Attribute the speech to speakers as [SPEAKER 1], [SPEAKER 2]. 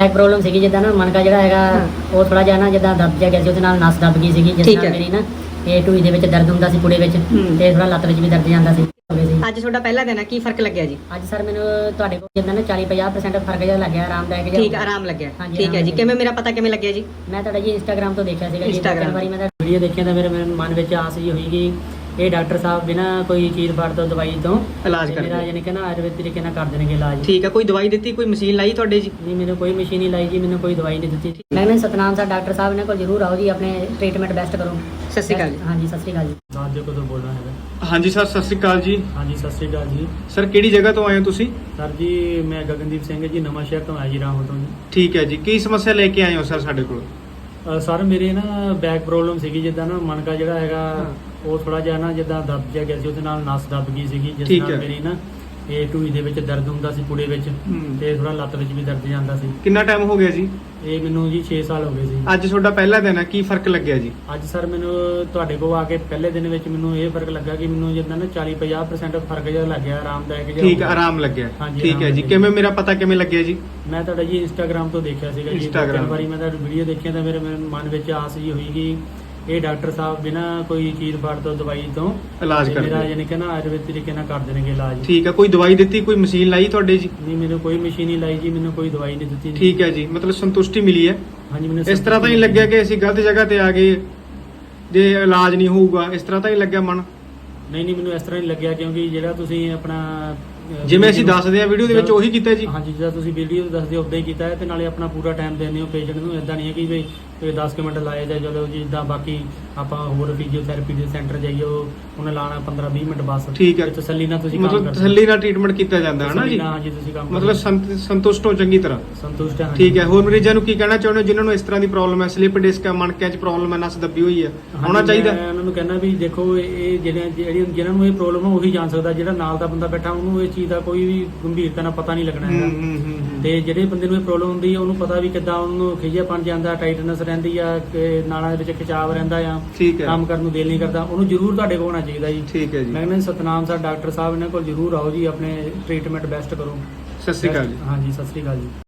[SPEAKER 1] Back problem ਸੀਗੀ ਜਿੱਦਾਂ ਨਾ ਮਣਕਾ ਜਿਹੜਾ ਹੈਗਾ ਉਹ ਥੋੜਾ ਜਿਹਾ ਨਾ ਜਿੱਦਾਂ ਦਰਦ ਜਿਹਾ ਗਿਆ ਸੀ, ਉਹਦੇ ਨਾਲ ਨਸ ਦੱਬ ਗਈ ਸੀਗੀ, ਜਿਸ ਨਾਲ ਮੇਰੀ ਨਾ ਇਹ ਢੂਈ ਦੇ ਵਿੱਚ ਦਰਦ ਹੁੰਦਾ ਸੀ ਪੁੜੇ ਵਿੱਚ, ਤੇ ਥੋੜਾ ਲੱਤ ਵਿੱਚ ਵੀ ਦਰਦ ਜਾਂਦਾ ਸੀ।
[SPEAKER 2] ਅੱਜ ਤੁਹਾਡਾ ਪਹਿਲਾ ਦਿਨ ਹੈ, ਕੀ ਫਰਕ ਲੱਗਿਆ ਜੀ?
[SPEAKER 1] ਅੱਜ ਸਰ ਮੈਨੂੰ ਤੁਹਾਡੇ ਕੋਲ ਜਿੱਦਾਂ ਨਾ 40-50% ਫਰਕ ਜਿਹਾ ਲੱਗਿਆ, ਆਰਾਮਦਾਇਕ ਜਿਹਾ।
[SPEAKER 2] ਠੀਕ, ਆਰਾਮ ਲੱਗਿਆ। ਠੀਕ ਹੈ ਜੀ। ਕਿਵੇਂ ਮੇਰਾ ਪਤਾ ਕਿਵੇਂ ਲੱਗਿਆ ਜੀ?
[SPEAKER 1] ਮੈਂ ਤੁਹਾਡਾ ਜੀ ਇੰਸਟਾਗ੍ਰਾਮ ਤੋਂ ਦੇਖਿਆ ਸੀਗਾ ਜੀ।
[SPEAKER 2] Instagram।
[SPEAKER 1] ਇੱਕ ਵਾਰੀ ਮੈਂ ਤਾਂ ਵੀਡੀਓ ਦੇਖਿਆ ਤਾਂ ਮੇਰੇ ਮਨ ਵਿੱਚ ਆਸ ਜੀ ਹੋਈ ਕਿ ਇਹ ਡਾਕਟਰ ਸਾਹਿਬ ਬਿਨਾਂ ਕੋਈ ਚੀਜ਼ ਫਾੜ ਤੋਂ ਦਵਾਈ ਤੋਂ
[SPEAKER 2] ਇਲਾਜ
[SPEAKER 1] ਮੇਰਾ
[SPEAKER 2] ਕਰਦੇ।
[SPEAKER 1] ਯਾਨੀ ਕਿ ਨਾ ਆਯੁਰਵੇਦ ਤਰੀਕੇ ਨਾਲ ਕਰ ਦੇਣਗੇ ਇਲਾਜ।
[SPEAKER 2] ਠੀਕ ਹੈ। ਕੋਈ ਦਵਾਈ ਦਿੱਤੀ, ਕੋਈ ਮਸ਼ੀਨ ਲਾਈ ਤੁਹਾਡੇ ਜੀ?
[SPEAKER 1] ਨਹੀਂ, ਮੈਨੂੰ ਕੋਈ ਮਸ਼ੀਨ ਨਹੀਂ ਲਾਈ ਜੀ, ਮੈਨੂੰ ਕੋਈ ਦਵਾਈ ਨਹੀਂ ਦਿੱਤੀ। ਮੈਂ ਕਹਿੰਦਾ ਸਤਨਾਮ ਸਰ ਡਾਕਟਰ ਸਾਹਿਬ ਨੇ ਕੋਲ ਜ਼ਰੂਰ ਆਓ ਜੀ, ਆਪਣੇ ਟ੍ਰੀਟਮੈਂਟ ਬੈਸਟ ਕਰੋ।
[SPEAKER 2] ਸਤਿ ਸ਼੍ਰੀ ਅਕਾਲ ਜੀ।
[SPEAKER 1] ਹਾਂਜੀ, ਸਤਿ ਸ਼੍ਰੀ ਅਕਾਲ ਜੀ।
[SPEAKER 3] ਰਾਜੋ ਕਦੋਂ ਬੋਲਣਾ ਹੈਗਾ?
[SPEAKER 4] ਹਾਂਜੀ ਸਰ, ਸਤਿ ਸ਼੍ਰੀ ਅਕਾਲ ਜੀ।
[SPEAKER 3] ਹਾਂਜੀ, ਸਤਿ ਸ਼੍ਰੀ ਅਕਾਲ ਜੀ।
[SPEAKER 4] ਸਰ ਕਿਹੜੀ ਜਗ੍ਹਾ ਤੋਂ ਆਏ ਹੋ ਤੁਸੀਂ?
[SPEAKER 3] ਸਰ ਜੀ ਮੈਂ ਗਗਨਦੀਪ ਸਿੰਘ ਜੀ, ਨਵਾਂ ਸ਼ਹਿਰ ਤੋਂ ਆਇਆ ਜੀ, ਰਾਮਪੁਰ ਤੋਂ ਜੀ।
[SPEAKER 4] ਠੀਕ ਹੈ ਜੀ, ਕੀ ਸਮੱਸਿਆ ਲੈ ਕੇ ਆਏ ਹੋ ਸਰ ਸਾਡੇ ਕੋਲ?
[SPEAKER 3] ਸਰ ਮੇਰੇ ਨਾ ਬੈਕ ਪ੍ਰੋਬਲਮ ਸੀਗੀ, ਜਿੱਦਾਂ ਨਾ ਮਣਕਾ ਜਿਹੜਾ ਹੈਗਾ ਉਹ ਥੋੜਾ ਜਿਹਾ ਨਾ ਜਿੱਦਾਂ ਦੱਬ ਜਿਹਾ ਗਿਆ ਸੀ, ਉਹਦੇ ਨਾਲ ਨਸ ਦੱਬ ਗਈ ਸੀਗੀ, ਜਿਸ
[SPEAKER 4] ਠੀਕ
[SPEAKER 3] ਨਾਲ
[SPEAKER 4] ਹੈ।
[SPEAKER 3] ਮੇਰੀ ਨਾ ਇਹ ਢੂਈ ਦੇ ਵਿੱਚ ਦਰਦ ਹੁੰਦਾ ਸੀ ਪੁੜੇ ਵਿੱਚ, ਤੇ ਥੋੜਾ ਲੱਤ ਵਿੱਚ ਵੀ ਦਰਦ ਜਾਂਦਾ ਸੀ।
[SPEAKER 4] ਕਿੰਨਾ ਟਾਈਮ ਹੋ ਗਿਆ ਜੀ?
[SPEAKER 3] ਇਹ ਮੈਨੂੰ ਜੀ 6 ਸਾਲ ਹੋ ਗਏ ਸੀ।
[SPEAKER 4] ਅੱਜ ਤੁਹਾਡਾ ਪਹਿਲਾ ਦਿਨ ਹੈ, ਕੀ ਫਰਕ ਲੱਗਿਆ ਜੀ?
[SPEAKER 3] ਅੱਜ ਸਰ ਮੈਨੂੰ ਤੁਹਾਡੇ ਕੋਲ ਆ ਕੇ ਪਹਿਲੇ ਦਿਨ ਵਿੱਚ ਮੈਨੂੰ ਇਹ ਫਰਕ ਲੱਗਾ ਕਿ ਮੈਨੂੰ ਜਿੱਦਾਂ ਨਾ 40-50% ਫਰਕ ਜਿਹਾ ਲੱਗਿਆ, ਆਰਾਮਦਾਇਕ ਜਿਹਾ।
[SPEAKER 4] ਠੀਕ, ਆਰਾਮ ਲੱਗਿਆ।
[SPEAKER 3] ਹਾਂਜੀ,
[SPEAKER 4] ਠੀਕ ਹੈ
[SPEAKER 3] ਆਰਾਮ
[SPEAKER 4] ਜੀ।
[SPEAKER 3] ਲੱਗਿਆ।
[SPEAKER 4] ਕਿਵੇਂ ਮੇਰਾ ਪਤਾ ਕਿਵੇਂ ਲੱਗਿਆ ਜੀ?
[SPEAKER 3] ਮੈਂ ਤੁਹਾਡਾ ਜੀ ਇੰਸਟਾਗ੍ਰਾਮ ਤੋਂ ਦੇਖਿਆ ਸੀਗਾ ਜੀ।
[SPEAKER 4] Instagram।
[SPEAKER 3] ਇੱਕ ਵਾਰੀ ਮੈਂ ਤੁਹਾਡੀ ਵੀਡੀਓ ਦੇਖਿਆ ਤਾਂ ਮੇਰੇ ਮਨ ਵਿੱਚ ਆਸ ਜੀ ਹੋਈ ਕਿ ਇਹ ਡਾਕਟਰ ਸਾਹਿਬ ਬਿਨਾਂ ਕੋਈ ਚੀਜ਼ ਫਾੜ ਤੋਂ ਦਵਾਈ ਤੋਂ
[SPEAKER 4] ਇਲਾਜ
[SPEAKER 3] ਮੇਰਾ
[SPEAKER 4] ਕਰਦੇ।
[SPEAKER 3] ਯਾਨੀ ਕਿ ਨਾ ਆਯੁਰਵੇਦ ਤਰੀਕੇ ਨਾਲ ਕਰ ਦੇਣਗੇ ਇਲਾਜ।
[SPEAKER 4] ਠੀਕ ਹੈ। ਕੋਈ ਦਵਾਈ ਦਿੱਤੀ, ਕੋਈ ਮਸ਼ੀਨ ਲਾਈ ਤੁਹਾਡੇ ਜੀ?
[SPEAKER 3] ਨਹੀਂ, ਮੈਨੂੰ ਕੋਈ ਮਸ਼ੀਨ ਨਹੀਂ ਲਾਈ ਜੀ, ਮੈਨੂੰ ਕੋਈ ਦਵਾਈ ਨਹੀਂ ਦਿੱਤੀ।
[SPEAKER 4] ਠੀਕ ਹੈ ਜੀ, ਮਤਲਬ ਸੰਤੁਸ਼ਟੀ ਮਿਲੀ ਹੈ।
[SPEAKER 3] ਹਾਂਜੀ, ਮੈਨੂੰ
[SPEAKER 4] ਇਸ ਤਰ੍ਹਾਂ ਤਾਂ ਨਹੀਂ ਲੱਗਿਆ ਕਿ ਅਸੀਂ ਗਲਤ ਜਗ੍ਹਾ ਤੇ ਆ ਗਏ, ਜੇ ਇਲਾਜ ਨਹੀਂ ਹੋਊਗਾ, ਇਸ ਤਰ੍ਹਾਂ ਤਾਂ ਨਹੀਂ ਲੱਗਿਆ ਮਨ?
[SPEAKER 3] ਨਹੀਂ, ਮੈਨੂੰ ਇਸ ਤਰ੍ਹਾਂ ਨਹੀਂ ਲੱਗਿਆ, ਕਿਉਂਕਿ ਜਿਹੜਾ ਤੁਸੀਂ ਆਪਣਾ
[SPEAKER 4] ਜਿਵੇਂ ਅਸੀਂ ਦੱਸਦੇ ਆ ਵੀਡੀਓ ਦੇ ਵਿੱਚ ਉਹੀ ਕੀਤਾ ਜੀ।
[SPEAKER 3] ਹਾਂਜੀ, ਜਿਹੜਾ ਤੁਸੀਂ ਵੀਡੀਓ ਦੱਸਦੇ ਹੋ ਉਦਾਂ ਹੀ ਕੀਤਾ ਹੈ, ਤੇ ਨਾਲੇ ਆਪਣਾ ਪੂਰਾ ਟਾਈਮ ਦਿੰਦੇ ਹੋ ਪੇਸ਼ੈਂਟ ਨੂੰ। ਇਦਾਂ ਨਹੀਂ ਹੈ ਕਿ ਵੀ 10 ਮਿੰਟ ਲਾਏ ਜਾਂ ਚਲੋ ਜੀ, ਜਿੱਦਾਂ ਬਾਕੀ ਆਪਾਂ ਹੋਰ ਫਿਜ਼ੀਓਥੈਰੇਪੀ ਦੇ ਸੈਂਟਰ ਜਾਈਏ ਉਹਨੇ ਲਾਣਾ 15-20 ਮਿੰਟ ਬਸ।
[SPEAKER 4] ਠੀਕ ਹੈ।
[SPEAKER 3] ਤੇ ਤਸੱਲੀ ਨਾਲ ਤੁਸੀਂ ਕੰਮ
[SPEAKER 4] ਮਤਲਬ
[SPEAKER 3] ਕਰਦੇ
[SPEAKER 4] ਤਸੱਲੀ ਨਾਲ ਟ੍ਰੀਟਮੈਂਟ ਕੀਤਾ ਜਾਂਦਾ ਹੈ ਨਾ ਜੀ?
[SPEAKER 3] ਹਾਂਜੀ, ਤੁਸੀਂ ਕੰਮ
[SPEAKER 4] ਮਤਲਬ ਸੰਤੁਸ਼ਟ ਹੋ ਚੰਗੀ ਤਰ੍ਹਾਂ।
[SPEAKER 3] ਸੰਤੁਸ਼ਟ ਹਾਂ।
[SPEAKER 4] ਠੀਕ ਹੈ। ਹੋਰ ਮਰੀਜ਼ਾਂ ਨੂੰ ਕੀ ਕਹਿਣਾ ਚਾਹੁੰਦੇ ਹੋ ਜਿਨ੍ਹਾਂ ਨੂੰ ਇਸ ਤਰ੍ਹਾਂ ਦੀ ਪ੍ਰੋਬਲਮ ਹੈ, ਸਲਿਪ ਡਿਸਕ ਹੈ, ਮਣਕਿਆਂ 'ਚ ਪ੍ਰੋਬਲਮ ਹੈ, ਨਸ ਦੱਬੀ ਹੋਈ ਹੈ, ਹੋਣਾ ਚਾਹੀਦਾ?
[SPEAKER 3] ਮੈਂ ਉਹਨਾਂ ਨੂੰ ਕਹਿੰਦਾ ਵੀ ਦੇਖੋ, ਇਹ ਜਿਹਨਾਂ ਨੂੰ ਇਹ ਪ੍ਰੋਬਲਮ ਹੈ ਉਹੀ ਜਾਣ ਸਕਦਾ। ਜਿਹੜਾ ਨਾਲ ਦਾ ਬੰਦਾ ਬੈਠਾ ਉਹਨੂੰ ਇਹ ਚੀਜ਼ ਦਾ ਕੋਈ ਵੀ ਗੰਭੀਰਤਾ ਨਾਲ ਪਤਾ ਨਹੀਂ ਲੱਗਣਾ ਹੈਗਾ। ਤੇ ਜਿਹੜੇ ਬੰਦੇ ਨੂੰ ਇਹ ਪ੍ਰੋਬਲਮ ਹੁੰਦੀ ਹੈ ਉਹਨੂੰ ਪਤਾ ਵੀ ਕਿੱਦਾਂ ਉਹਨੂੰ ਖਿਜੇਪਣ ਜਾਂਦਾ, ਟਾਈਟਨੈਸ ਰਹਿੰਦੀ ਆ, ਨਾੜਾਂ ਦੇ ਵਿੱਚ ਖਿਚਾਵ ਰਹਿੰਦਾ ਆ,
[SPEAKER 4] ਠੀਕ ਹੈ।
[SPEAKER 3] ਕੰਮ ਕਰਨ ਨੂੰ ਦਿਲ ਨਹੀਂ ਕਰਦਾ, ਉਹਨੂੰ ਜ਼ਰੂਰ ਤੁਹਾਡੇ ਕੋਲ ਆਉਣਾ ਚਾਹੀਦਾ ਜੀ।
[SPEAKER 4] ਠੀਕ ਹੈ ਜੀ।
[SPEAKER 3] ਮੈਂ ਕਹਿੰਦਾ ਸਤਨਾਮ ਸਰ ਡਾਕਟਰ ਸਾਹਿਬ ਇਹਨਾਂ ਕੋਲ ਜ਼ਰੂਰ ਆਓ ਜੀ, ਆਪਣੇ ਟ੍ਰੀਟਮੈਂਟ ਬੈਸਟ ਕਰੋ।
[SPEAKER 4] ਸਤਿ ਸ਼੍ਰੀ ਅਕਾਲ ਜੀ।
[SPEAKER 3] ਹਾਂਜੀ, ਸਤਿ ਸ਼੍ਰੀ ਅਕਾਲ ਜੀ।